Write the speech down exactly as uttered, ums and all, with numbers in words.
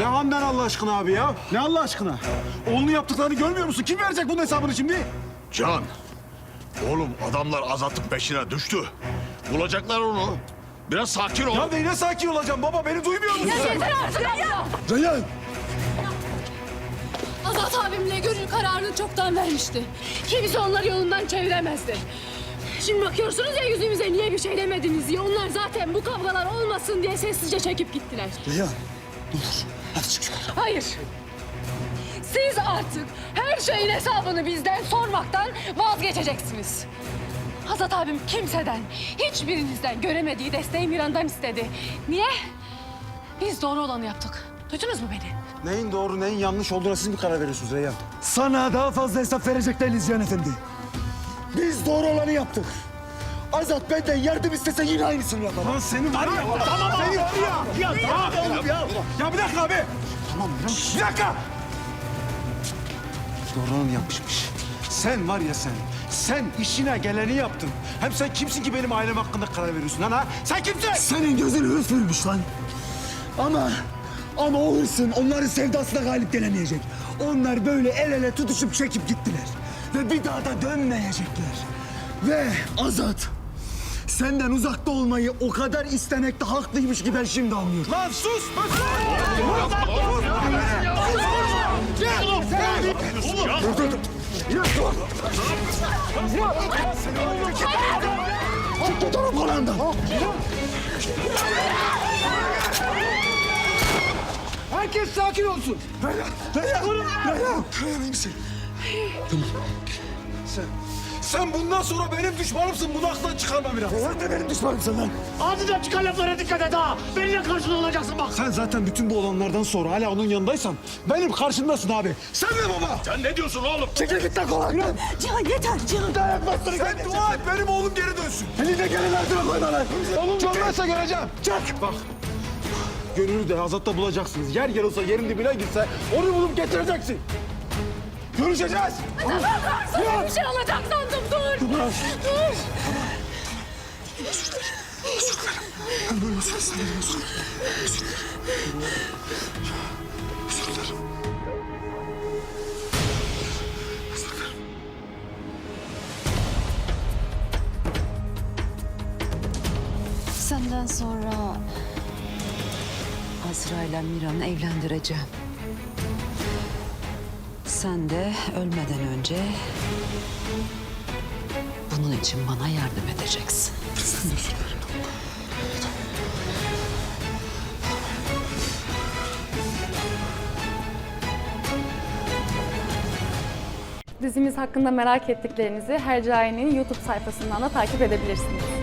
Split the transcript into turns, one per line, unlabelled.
Handan Allah aşkına abi ya? Ne Allah aşkına? Oğlunun yaptıklarını görmüyor musun? Kim verecek bunun hesabını şimdi?
Can, oğlum adamlar Azat'ın peşine düştü. Bulacaklar onu. Biraz sakin ol.
Ya neyine sakin olacağım baba? Beni duymuyor musun sen?
Yeter artık ya!
Reyhan!
Azat abimle Gönül kararını çoktan vermişti. Kimse onları yolundan çeviremezdi. Şimdi bakıyorsunuz ya yüzümüze niye bir şey demediniz diye. Onlar zaten bu kavgalar olmasın diye sessizce çekip gittiler.
Reyhan, ne olur. Hadi çık yukarı.
Hayır. Siz artık her şeyin hesabını bizden sormaktan vazgeçeceksiniz. Azat abim kimseden, hiçbirinizden göremediği desteği Miran'dan istedi. Niye? Biz doğru olanı yaptık. Duydunuz mu beni?
Neyin doğru, neyin yanlış olduğuna siz mi karar veriyorsunuz Reyhan?
Sana daha fazla hesap verecek değiliz Cihan Efendi. Biz doğru olanı yaptık. Azat benden yardım istese yine aynısını yapar.
Lan senin var ya, tamam seni var ya. Ya tamam oğlum ya. Ya bir dakika abi. Tamam ya. Bir dakika. Doğru olanı yapmışmış. Sen var ya sen, sen işine geleni yaptın. Hem sen kimsin ki benim ailem hakkında karar veriyorsun lan ha? Sen kimsin?
Senin gözün hırs vermiş lan. Ama, ama o hırsın onların sevdasına galip gelemeyecek. Onlar böyle el ele tutuşup çekip gittiler. Ve bir daha da dönmeyecekler. Ve Azat, senden uzakta olmayı o kadar istemekte haklıymış ki ben şimdi anlıyorum.
Lan sus!
Çık git onun kulağından. Herkes sakin olsun. Reyhan, Reyhan, Reyhan. Reyhan iyi misin?
Sen, sen bundan sonra benim düşmanımsın. Bunu aklından çıkarma biraz.
Sen de benim düşmanımsın lan.
Ağzından çıkan laflara dikkat et ha. Benimle karşılığı olacaksın bak.
Sen zaten bütün bu olanlardan sonra hala onun yanındaysan benim karşımdasın abi. Sen de baba.
Sen ne diyorsun oğlum?
Çekil git lan kulağından.
Cihan yeter Cihan.
Dayak bastırın.
Sen dua et benim oğlum geri dönsün.
Elinde gelin altına koyma lan.
Oğlum görmezse göreceğim.
Çak.
Bak. Gönül'ü de Azat'ta bulacaksınız. Yer yer olsa yerin dibine gitse onu bulup getireceksin. Görüşeceğiz.
Sana bir şey olacak sandım dur. Dur. Dur.
Ben böyle olsun istedim. Özür dilerim. Özür dilerim. Özür dilerim.
Senden sonra Azra ile Miran'ı evlendireceğim. Sen de ölmeden önce bunun için bana yardım edeceksin.
Sen de özür dilerim.
Dizimiz hakkında merak ettiklerinizi Hercai'nin YouTube sayfasından da takip edebilirsiniz.